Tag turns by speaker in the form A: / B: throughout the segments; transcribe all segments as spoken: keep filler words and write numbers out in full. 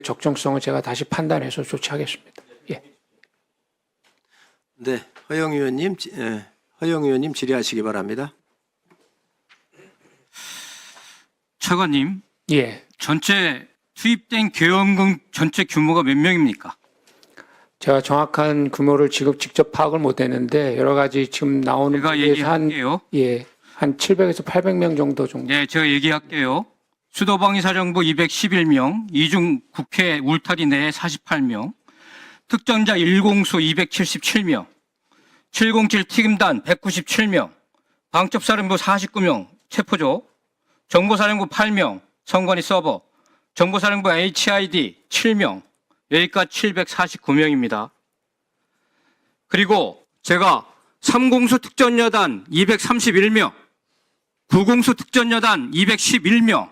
A: 적정성을 제가 다시 판단해서 조치하겠습니다. 예.
B: 네, 허영 의원님, 지- 예, 허영 의원님 질의하시기 바랍니다.
C: 차관님,
A: 예.
C: 전체 투입된 계엄금 전체 규모가 몇 명입니까?
A: 제가 정확한 규모를 지금 직접 파악을 못했는데 여러 가지 지금 나오는
C: 제가
A: 데에서 한
C: 얘기할게요.
A: 예, 한 칠백에서 팔백 명 정도 정도.
C: 네, 제가 얘기할게요. 수도방위사령부 이백십일 명, 이중 국회 울타리 내에 사십팔 명, 특전자 일공수 이백칠십칠 명, 칠공칠 특임단 백구십칠 명, 방첩사령부 사십구 명 체포조, 정보사령부 팔 명 선관위 서버, 정보사령부 에이치아이디 칠 명, 여기까지 칠백사십구 명입니다. 그리고 제가 삼공수 특전여단 이백삼십일 명, 구공수 특전여단 이백십일 명,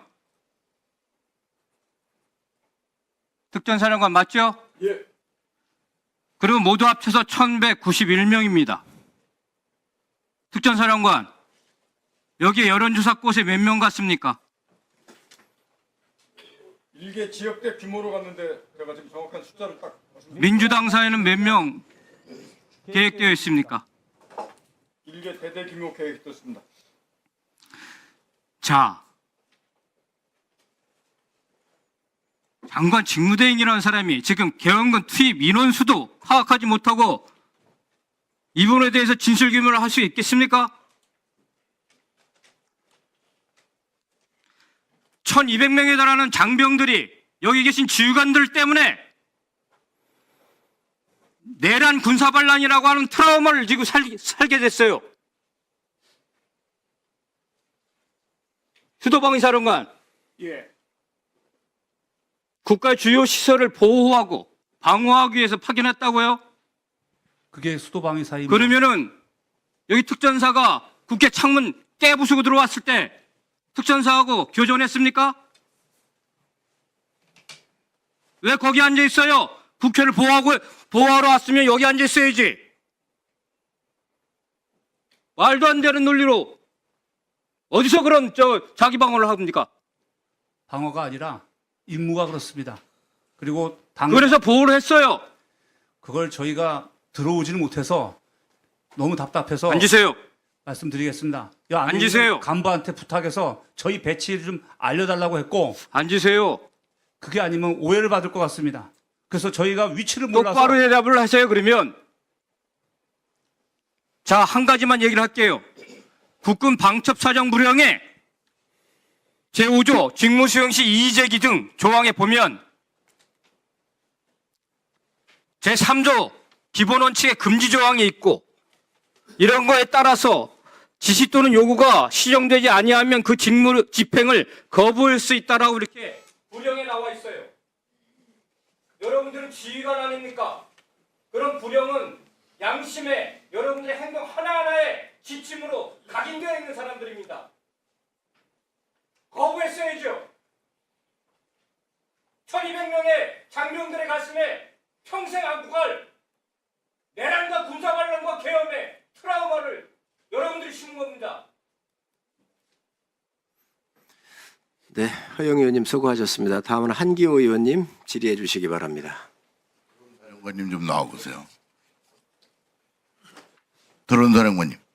C: 특전사령관 맞죠?
D: 예.
C: 그리고 모두 합쳐서 천백구십일 명입니다. 특전사령관, 여기에 여론조사 곳에 몇 명 갔습니까?
D: 일개 지역대 규모로 갔는데 제가 지금 정확한 숫자를 딱 말씀드릴게요.
C: 민주당 사회는 몇 명 계획되어 있습니까?
D: 일개 대대 규모 계획이 떴습니다.
C: 자, 장관 직무대행이라는 사람이 지금 계엄군 투입 인원수도 파악하지 못하고 이 부분에 대해서 진실규명을 할 수 있겠습니까? 천이백 명에 달하는 장병들이 여기 계신 지휘관들 때문에 내란 군사반란이라고 하는 트라우마를 지금 살, 살게 됐어요. 수도방위사령관,
D: 예.
C: 국가 주요 시설을 보호하고 방어하기 위해서 파견했다고요?
E: 그게 수도방위사입니다.
C: 그러면은 여기 특전사가 국회 창문 깨부수고 들어왔을 때 특전사하고 교전했습니까? 왜 거기 앉아 있어요? 국회를 보호하고 보호하러 왔으면 여기 앉아 있어야지. 말도 안 되는 논리로 어디서 그런 저 자기 방어를 합니까?
E: 방어가 아니라 임무가 그렇습니다. 그리고 당
C: 그래서 보호를 했어요.
E: 그걸 저희가 들어오지는 못해서 너무 답답해서
C: 앉으세요.
E: 말씀드리겠습니다. 이 안에
C: 앉으세요.
E: 있는 간부한테 부탁해서 저희 배치를 좀 알려달라고 했고
C: 앉으세요.
E: 그게 아니면 오해를 받을 것 같습니다. 그래서 저희가 위치를 몰라서
C: 똑바로 대답을 하세요. 그러면 자, 한 가지만 얘기를 할게요. 국군 방첩사정부령의 제오 조 직무수행 시 이의제기 등 조항에 보면 제삼 조 기본원칙의 금지 조항이 있고 이런 거에 따라서 지시 또는 요구가 시정되지 아니하면 그 직무 집행을 거부할 수 있다라고 이렇게 부령에 나와 있어요. 여러분들은 지휘관 아닙니까? 그런 부령은 양심에 여러분들의 행동 하나하나에 지침으로 각인되어 있는 사람들입니다. 거부했어야죠. 천이백 명의 장병들의 가슴에 평생 안고 갈 내란과 군사반란과 계엄의 트라우마를 여러분들이 심은 겁니다.
B: 네, 허영 의원님 수고하셨습니다. 다음은 한기호 의원님 질의해 주시기 바랍니다.
F: 사령관님 좀 나와보세요. 드론 사령관님.